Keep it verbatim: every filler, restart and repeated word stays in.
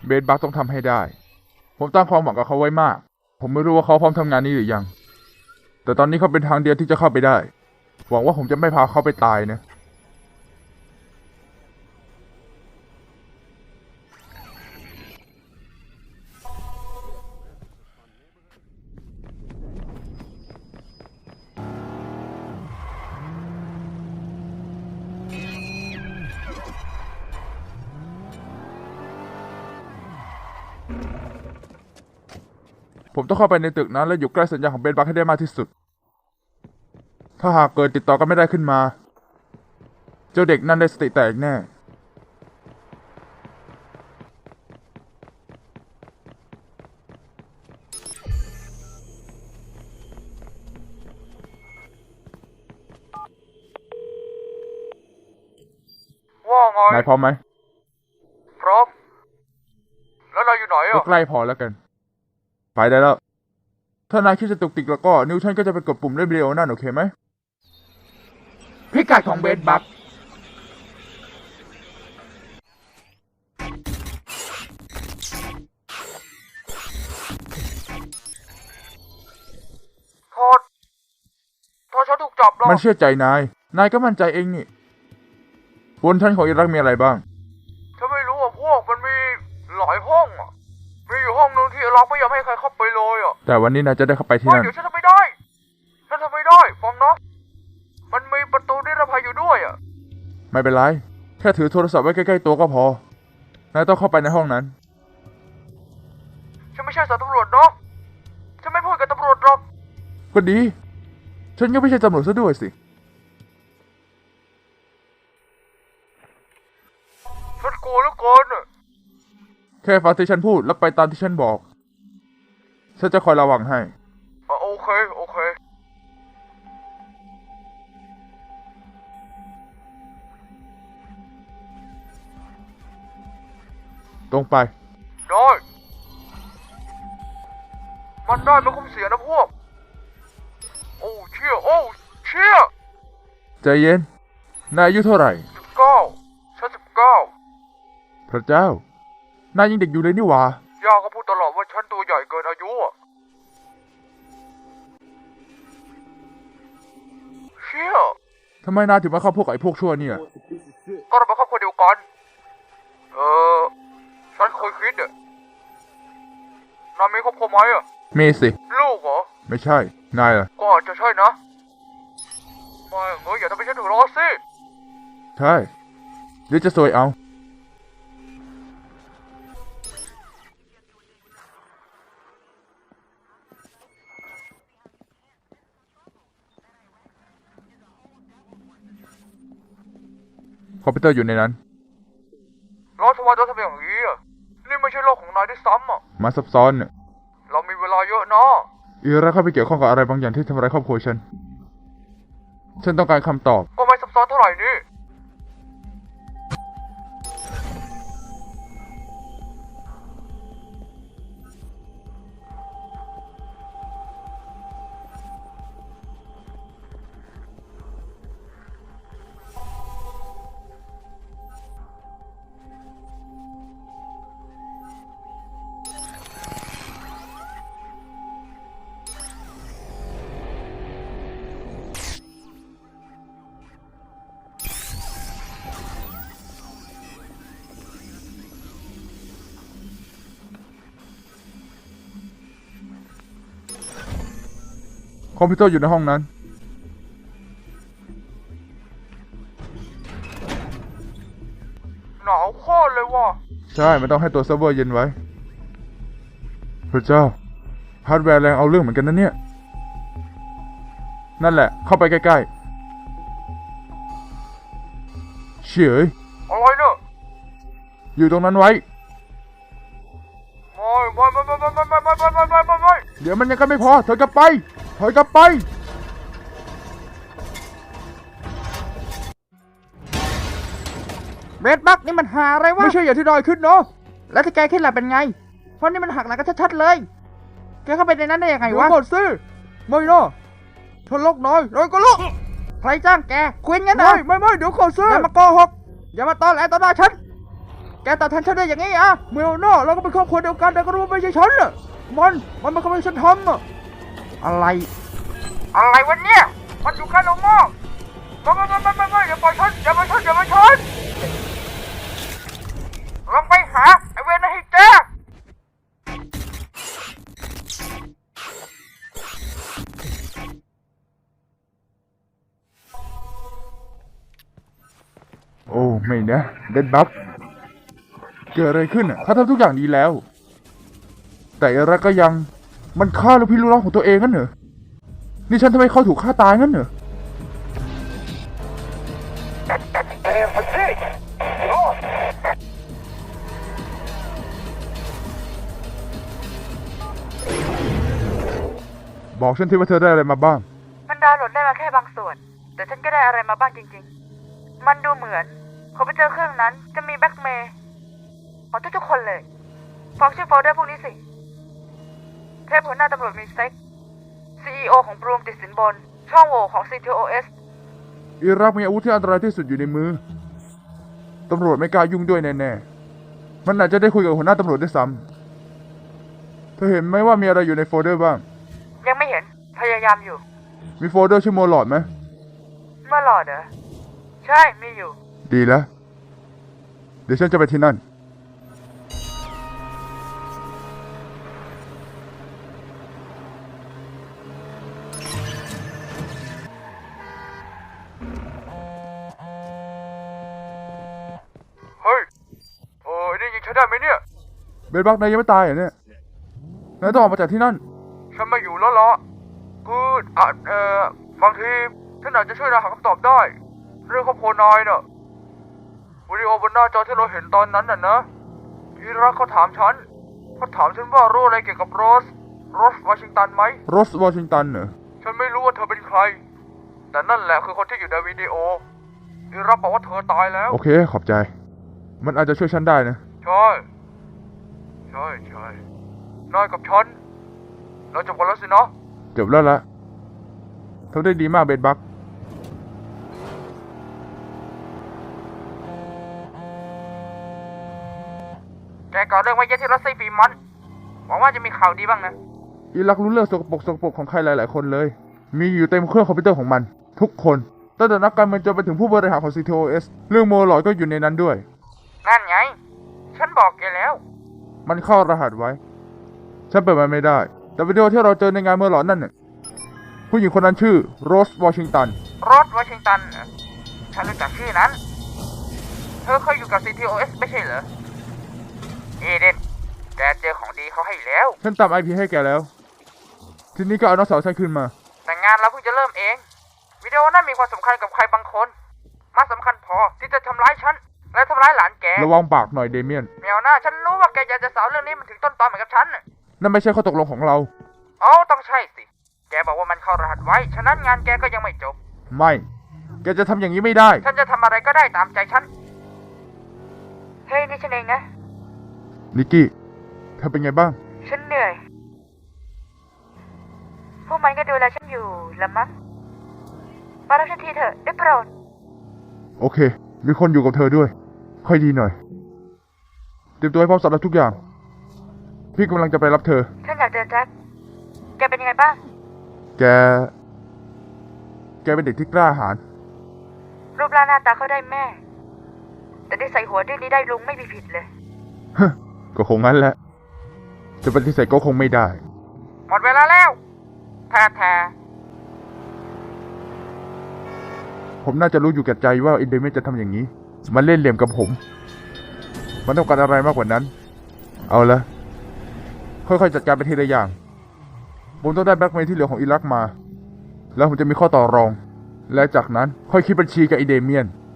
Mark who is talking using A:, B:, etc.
A: เบสบัคต้องทำให้ได้ผมตั้งความหวังกับเขาไว้มากผมไม่รู้ว่าเขาพร้อมทำงานนี้หรือยังแต่ตอนนี้เขาเป็นทางเดียวที่จะเข้าไปได้หวังว่าผมจะไม่พาเขาไปตายนะผมต้องเข้าไปในตึกนั้นและอยู่ใกล้สัญญาณของเบสบัคให้ได้มากที่สุดถ้าหากเกิดติดต่อกันไม่ได้ขึ้นมาเจ้าเด็กนั่นได้สติแตกแน่
B: ว่าไง
A: นายพร้อมไหม
B: พร้อมแล้วนายอยู่ไหนอ่ะ
A: ก็ใกล้พอแล้วกันไปได้แล้วถ้านายคิดจะตุกติกแล้วก็นิวชันก็จะไปกดปุ่มเล่นวิดีโอนั่นโอเคไหมพิกัดของเบสบัค
B: โทษโทษฉันถูกจับแล้ว
A: มันเชื่อใจนายนายก็มั่นใจเองนี่บนชั้นของอิรักมีอะไรบ้าง
B: ฉันไม่รู้อ่ะพวกมันมีหลายห้องอ่ะมีอยู่ห้องนึงที่เราไม่ยอมให้ใครเข้าไปเลยอ่ะ
A: แต่วันนี้นายจะได้เข้าไปที่นั่น
B: เดี๋ยวฉันทำไม่ได้ฉันทำไม่ได้ฟังนะมันมีประตูนิรภัยอยู่ด้วยอ่ะ
A: ไม่เป็นไรแค่ถือโทรศัพท์ไว้ใกล้ๆตัวก็พอนายต้องเข้าไปในห้องนั้น
B: ฉันไม่ใช่สายตำรวจเนาะฉันไม่พูดกับตำรวจหรอก
A: ก็ดีฉันก็ไม่ใช่ตำรวจซะด้วยสิ
B: ฉันกลัวเหลือเกินอ่ะ
A: แค่ฟังที่ฉันพูดแล้วไปตามที่ฉันบอกฉันจะคอยระวังให้
B: อ่ะโอเคโอเค
A: ตรงไป
B: ได้มันได้ไม่คุ้มเสียนะพวกโอ้เชี่ยโอ้เชี่ย
A: ใจเย็นนายอายุเท่าไหร่
B: สิบเก้าฉันสิบเก้า
A: พระเจ้านายยังเด็กอยู่เลยนี่หว่า
B: ย่าก็พูดตลอดว่าฉันตัวใหญ่เกินอายุอ่ะเชี่ย
A: ทำไมนายถึงมาเข้าพวกกับไอ้พวกชั่วเนี่ย
B: ก็เราเป็นครอบครัวเดียวกันเออฉันเคยคิดอ่ะนายมีครอบครัวไหมอ่ะ
A: มีสิ
B: ลูกเหรอ
A: ไม่ใช่นายล่ะ
B: ก็อาจจะใช่นะไม่เงยอย่าทำให้ฉันถึงร้อนสิ
A: ใช่หรือจะซวยเอาคอมพิวเตอร์อยู่ในนั้น
B: แล้วทำไมต้องทำอย่างนี้อ่ะนี่ไม่ใช่โลกของนายด้วยซ้ำอ่ะ
A: มาซับซ้อนเนี่ย
B: เรามีเวลาเยอะนะ
A: อีรักเข้าไปเกี่ยวข้องกับอะไรบางอย่างที่ทำร้ายครอบครัวฉันฉันต้องการคำตอบ
B: ก็ไม่ซับซ้อนเท่าไหร่นี่
A: คอมพิวเตอร์อยู่ในห้องนั้น
B: หนาวโคตรเลยว่ะ
A: ใช่มันต้องให้ตัวเซิร์ฟเวอร์เย็นไว้พระเจ้าฮาร์ดแวร์แรงเอาเรื่องเหมือนกันนะเนี่ยนั่นแหละเข้าไปใกล้ๆเฉย
B: อะไรเนี่ย
A: อยู่ตรงนั้นไว้
B: ไม่ไม่ไม่ไม่ไม่ไม่ไม่ไม่ไม่ไม่ไม่
A: เดี๋ยวมันยังกันไม่พอถอยกลับไปถอยกลับไป
C: เบสบัคนี่มันหาอะไรวะ
A: ไม่ใช่อย่างที่นายคิดเนาะ
C: แล้วที่แกคิดล่ะเป็นไงเพราะนี่มันหักหลังกันชัดๆเลยแกเข้าไปในนั้นได้ยังไงวะ
A: เดี๋ยวก่อนสิไม่นะถ้าล็อกน้อยน้อยก็ล็อก
C: ใครจ้างแกคุยงั้นเหรอ
A: ไม่ไม่ไม่เดี๋ยวก่อนสิ
C: อย่ามาโกหกอย่ามาตอแหลต่อหน้าฉันแกตอบแทนฉันได้อย่างงี้อะเมลโน่เราก็เป็นครอบครัวเดียวกันแต่ก็รู้ว่าไม่ใช่ฉันอะมันมันมันก็ไม่ใช่ฉันทำอะอะไร
B: อะไรวะเนี่ยมันอยู่ใกล้เรามากไม่ไม่ไม่ไม่ไม่อย่าปล่อยฉันอย่าปล่อยฉันอย่าปล่อยฉันลองไปหาไอเวนให้เจอ
A: โอ้ไม่นะเดดบัฟเกิดอะไรขึ้นอ่ะเขาทำทุกอย่างดีแล้ว แต่อะไรก็ยังมันฆ่าลูกพี่ลูกน้องของตัวเองงั้นเหรอนี่ฉันทำไมเขาถูกฆ่าตายงั้นเหรอบอกฉันทีว่าเธอได้อะไรมาบ้าง
D: มันดาวน์โหลดได้มาแค่บางส่วน แต่ฉันก็ได้อะไรมาบ้างจริงๆ มันดูเหมือนคอมพิวเตอร์เครื่องนั้นจะมีแบ็กเมย์ของทุกๆคนเลยฟังชื่อโฟลเดอร์พวกนี้สิ เทพหัวหน้าตำรวจมีเซ็ก ซี อี โอ ของบรูมติดสินบน ช่องโหว่ของ ซี ที โอ เอส
A: อิรักมีอาวุธที่อันตรายที่สุดอยู่ในมือ ตำรวจไม่กล้ายุ่งด้วยแน่ๆ มันอาจจะได้คุยกับหัวหน้าตำรวจด้วยซ้ำเธอเห็นไหมว่ามีอะไรอยู่ในโฟลเดอร์บ้าง
D: ยังไม่เห็น พยายามอยู่
A: มีโฟลเดอร์ชื่อโมลอดไหม
D: เมื่อหลอดเหรอ ใช่ มีอยู่
A: ดีแล้ว เดี๋ยวฉันจะไปที่นั่น
B: เฮ้ยเออนี่ยิงฉันได้ไหมเนี่ย
A: เบนบักนายยังไม่ตายเหรอเนี่ย นายต้องออกมาจากที่นั่น
B: ฉันไม่อยู่แล้วล่ะคืออ่ะเอ่อบางทีฉันอาจจะช่วยนายหาคำตอบได้ เรื่องครอบครัวนายน่ะวิดีโอบนหน้าจอที่เราเห็นตอนนั้นน่ะนะอีรักเขาถามฉันเขาถามฉันว่ารู้อะไรเกี่ยวกับโรสโรสวอชิงตันไหม
A: โรสวอชิงตันเหรอ
B: ฉันไม่รู้ว่าเธอเป็นใคร แต่นั่นแหละคือคนที่อยู่ในวิดีโออีรักบอกว่าเธอตายแล้ว
A: โอเค ขอบใจ มันอาจจะช่วยฉันได้นะ
B: ใช่ใช่ใช่นายกับฉันเราจบกันแล้วสินะ
A: จบแล้วละทำได้ดีมากเบนบัก
B: แกก่อเรื่องไว้เยอะที่รัสเซียปีมันหวังว่าจะมีข่าวดีบ้างนะ
A: อิรักรู้เรื่องสกปรกสกปรกของใครหลายๆคนเลย มีอยู่เต็มเครื่องคอมพิวเตอร์ของมัน ทุกคนตั้งแต่นักการเมืองจนไปถึงผู้บริหารของ ซี ที โอ เอส เรื่องโมลอดก็อยู่ในนั้นด้วย
B: นั่นไง ฉันบอกแกแล้ว
A: มันเข้ารหัสไว้ ฉันเปิดมันไม่ได้ แต่วิดีโอที่เราเจอในงานเมื่อหลอนนั่นน่ะผู้หญิงคนนั้นชื่อโรสวอชิงตัน
B: โรสวอชิงตันเหรอฉันรู้จักชื่อนั้น เธอเคยอยู่กับ ซี ที โอ เอส ไม่ใช่เหรอ เอเดน แกเจอของดีเขาให้แล้ว
A: ฉันตาม ไอ พี ให้แกแล้ว ทีนี้ก็เอาน้องสาวฉันขึ้นมา
B: แต่งานเราเพิ่งจะเริ่มเอง วิดีโอนั้นมีความสำคัญกับใครบางคนมาสำคัญพอที่จะทำร้ายฉัน และทำร้ายหลานแก
A: ระวังปากหน่อยเดเมียน
B: เมียวหน้าฉันรู้ว่าแกอยากจะสาวเรื่องนี้มันถึงต้นตอเหมือนกับฉันน่ะ
A: นั่นไม่ใช่ข้อตกลงของเรา
B: เอ้าต้องใช่สิ แกบอกว่ามันเข้ารหัสไว้ ฉะนั้นงานแกก็ยังไม่จบ
A: ไม่ แกจะทำอย่างนี้ไม่ได้
B: ฉันจะทำอะไรก็ได้ตามใจฉัน
D: เฮ้ย นี่ฉันเองนะ
A: นิกกี้ เธอเป็นไงบ้าง
D: ฉันเหนื่อย พวกมันก็ดูแลฉันอยู่ละมั้งมารับฉันทีเถอะได้โปรด
A: โอเค มีคนอยู่กับเธอด้วย ค่อยดีหน่อย เตรียมตัวให้พร้อมสำหรับทุกอย่าง พี่กำลังจะไปรับเธอ
D: ฉันอยากเจอแจ็ค แกเป็นยังไงบ้าง
A: แก แกเป็นเด็กที่กล้าหาญ
D: รูปร่างหน้าตาเขาได้แม่ แต่ได้ใส่หัวด้วยนี้ได้ลุงไม่มีผิดเลย
A: ฮะก็คงงั้นแหละ จะปฏิเสธก็คงไม่ได้
B: หมดเวลาแล้วแท้แท้
A: ผมน่าจะรู้อยู่แก่ใจว่าอินเดเมนจะทำอย่างนี้ มันเล่นเหลี่ยมกับผม มันต้องการอะไรมากกว่านั้น เอาละ ค่อยๆจัดการไปทีละอย่าง ผมต้องได้แบล็กเมย์ที่เหลือของอิรักมา แล้วผมจะมีข้อต่อรอง และจากนั้นค่อยคิดบัญชีกับอินเดเมียน